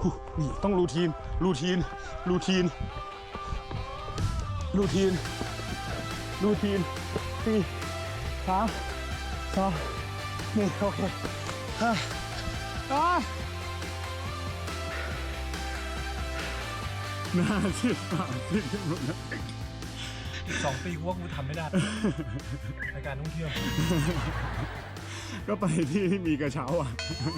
นี่ต้องรูทีน4 3 2 1โอเคหน้าที่ปากที่หมดนะ 2 ปีกูว่ากูทำไม่ได้รายการท่องเที่ยวก็ไปที่มีกระเช้าอ่ะ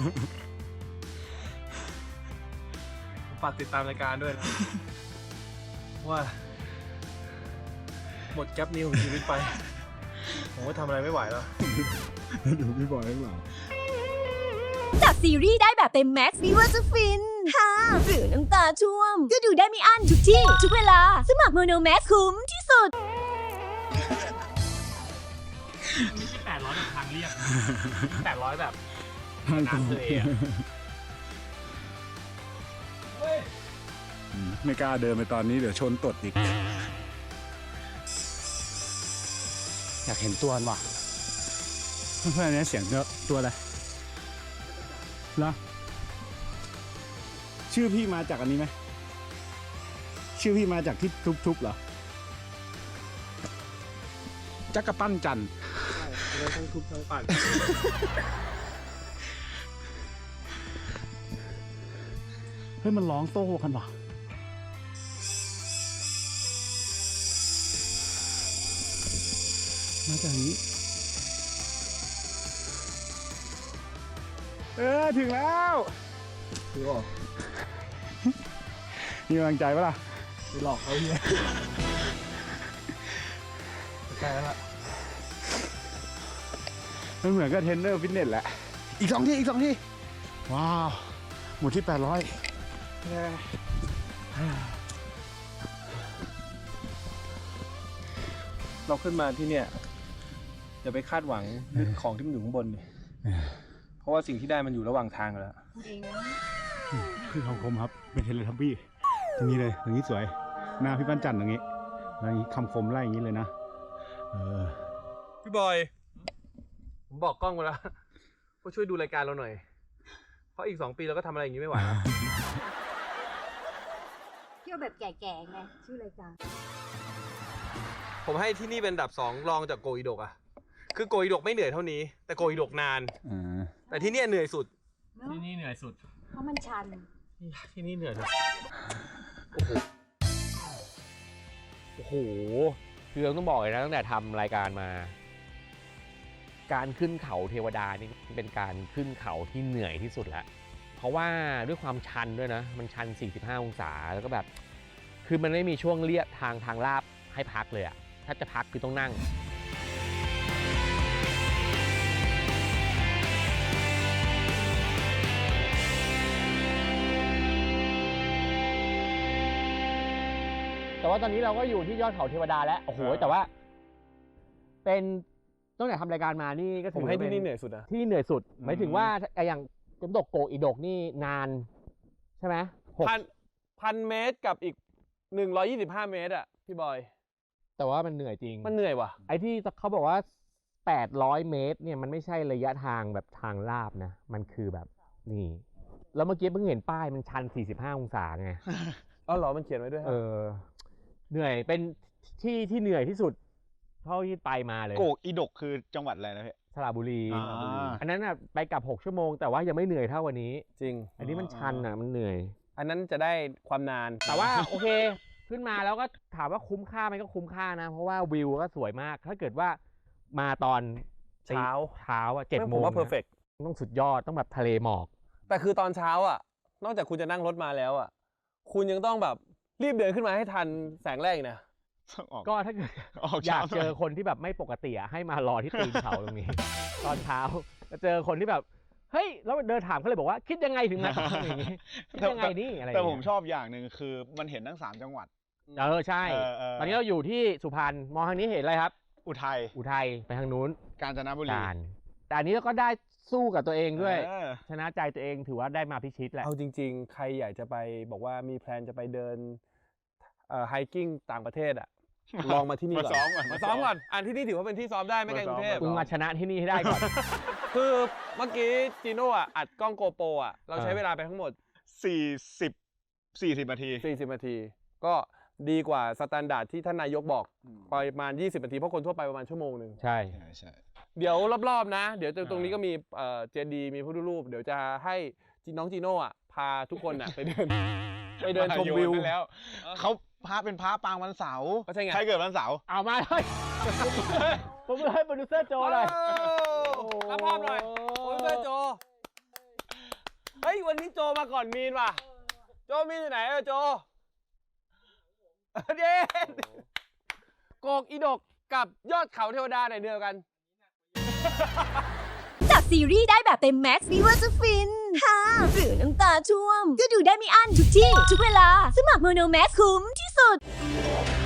ฝากติดตามรายการด้วยนะว่าหมดแก๊ปนี้ของชีวิตไปผมก็ทำอะไรไม่ไหวแล้วดูพี่บอยข้างหลังจากซีรีส์ได้แบบเต็มแม็กซ์ไม่ว่าจะฟินฮ่าหรือน้ำตาช่วมก็ดูได้ไม่อั้นทุกที่ทุกเวลาสมัครโมโนแม็กซ์คุ้มที่สุดไม่ใช่800แบบทางเรียบ800แบบน้ำเลยอ่ะไม่กล้าเดินไปตอนนี้เดี๋ยวชนตดอีกอยากเห็นตัวว่ะเพื่อนๆนี้เสียงตัวอะไรแล้วชื่อพี่มาจากอันนี้ไหมชื่อพี่มาจากที่ทุบๆเหรอจักรปั้นจันใช่ทั้งทุบทั้งปั่นเฮ้ยมันร้องโต้กันว่ะมาจากนี้ถึงแล้วถือว่ามีกำลังใจปะล่ะไปหลอกเขาเฮียใกล้แล้วล่ะมันเหมือนกับเทรนเนอร์ฟิตเนสแหละอีก2 ที่ว้าวหมดที่800 เราขึ้นมาที่เนี่ยอย่าไปคาดหวังของที่มันอยู่ข้างบนเลยเพราะว่าสิ่งที่ได้มันอยู่ระหว่างทางแล้วคือของผมครับเป็นเทเลทับบี้ตรงนี้เลยตรงนี้สวยหน้าพี่ปั้นจันทร์ตรงนี้แล้วนี้คำคมไล่อย่างนี้เลยนะพี่บอยผมบอกกล้องไปแล้วว่าช่วยดูรายการเราหน่อยเพราะอีก2 ปีเราก็ทำอะไรอย่างนี้ไม่ไหวแล้วเที่ยวแบบแก่ๆไงชื่อรายการผมให้ที่นี่เป็นอันดับ2รองจากโกอิโดกอะคือโกอิโดกไม่เหนื่อยเท่านี้แต่โกอิโดกนานแต่ที่นี่เหนื่อยสุดที่นี่เหนื่อยสุดเพราะมันชันที่นี่เหนื่อยสุดโอ้โหคือต้องบอกเลยนะตั้งแต่ทำรายการมาการขึ้นเขาเทวดานี่เป็นการขึ้นเขาที่เหนื่อยที่สุดแล้วเพราะว่าด้วยความชันด้วยนะมันชัน45 องศาแล้วก็แบบคือมันไม่มีช่วงเลียบทางลาบให้พักเลยอะถ้าจะพักคือต้องนั่งแต่ว่าตอนนี้เราก็อยู่ที่ยอดเขาเทวดาแล้วโอ้โหแต่ว่าเป็นตั้งแต่ทำรายการมานี่ก็ผมให้ที่นี่เหนื่อยสุดนะที่เหนื่อยสุดหมายถึงว่าอย่างน้ำตกโกอิโดกนี่นานใช่ไหม 1,000 เมตรกับอีก125 เมตรอ่ะพี่บอยแต่ว่ามันเหนื่อยจริงมันเหนื่อยว่ะไอ้ที่เขาบอกว่า800 เมตรเนี่ยมันไม่ใช่ระยะทางแบบทางลาบนะมันคือแบบนี่แล้วเมื่อกี้เพิ่งเห็นป้ายมันชัน45 องศาไงอ๋อเหรอมันเขียนไว้ด้วยเหนื่อยเป็นที่เหนื่อยที่สุดเท่าที่ไปมาเลยโกอิโดกคือจังหวัดอะไรนะพี่สระบุรีอันนั้นน่ะไปกลับ6 ชั่วโมงแต่ว่ายังไม่เหนื่อยเท่าวันนี้จริงอันนี้มันชันอ่ะมันเหนื่อยอันนั้นจะได้ความนานแต่ว่าโอเคขึ้นมาแล้วก็ถามว่าคุ้มค่าไหมก็คุ้มค่านะเพราะว่าวิวก็สวยมากถ้าเกิดว่ามาตอนเช้าอ่ะ7 โมงผมว่าเพอร์เฟกต์ต้องสุดยอดต้องแบบทะเลหมอกแต่คือตอนเช้าอ่ะนอกจากคุณจะนั่งรถมาแล้วอ่ะคุณยังต้องแบบรีบเดินขึ้นมาให้ทันแสงแรกนะก็ถ้าเกิดอยากเจอคนที่แบบไม่ปกติให้มารอที่ตีนเขาตรงนี้ ตอนเช้าจะเจอคนที่แบบเฮ้ยแล้วเดินถามเขาเลยบอกว่าคิดยังไงถึงมาอย่างนี้คิดยังไงนี่อะไรแต่ผมชอบอย่างหนึ่งคือมันเห็นทั้ง3 จังหวัดใช่ตอนนี้เราอยู่ที่สุพรรณมองทางนี้เห็นอะไรครับอุทัยไปทางนู้นกาญจนบุรีแต่อันนี้เราก็ได้สู้กับตัวเองด้วยชนะใจตัวเองถือว่าได้มาพิชิตแหละเอาจริงๆใครอยากจะไปบอกว่ามีแพลนจะไปเดินไฮกิ้งต่างประเทศอ่ะลองมาที่นี่ก่อนมาซ้อมก่อนอันที่นี่ถือว่าเป็นที่ซ้อมได้ไม่ไกลกรุงเทพมึงมาชนะที่นี่ให้ได้ก่อนคือเมื่อกี้จีโน่อัดกล้องโกโปรเราใช้เวลาไปทั้งหมด 40 นาที 40 นาที ก็ดีกว่าสแตนดาร์ดที่ท่านนายกบอกประมาณ20 นาทีเพราะคนทั่วไปประมาณชั่วโมงหนึ่งใช่เดี๋ยวรอบๆนะ เดี๋ยวตรงนี้ก็มีเจดีย์มีพุทธรูปเดี๋ยวจะให้น้องจีโน่อะพาทุกคนอะไปเดินชมวิวไปแล้วเขาพระเป็นพระปางวันเสาร์ก็ใช่ไงใครเกิดวันเสาร์เอามาเลยผมเลยให้โปรดิวเซอร์โจเลยรับภาพหน่อยโอ้ยเพื่อนโจ เฮ้ย วันนี้โจมาก่อนมีนว่ะ โจมีนอยู่ไหนโจเด็ดโกกอีดกกับยอดเขาเทวดาไหนเดียวกันจากซีรีส์ได้แบบเต็มแม็กซ์ไม่ว่าจะฟินฮ่าหรือน้ำตาช่วม ก็ดูได้ไม่อั้นทุกที่ ทุกเวลา สมัครโมโนแม็กคุ้มที่สุด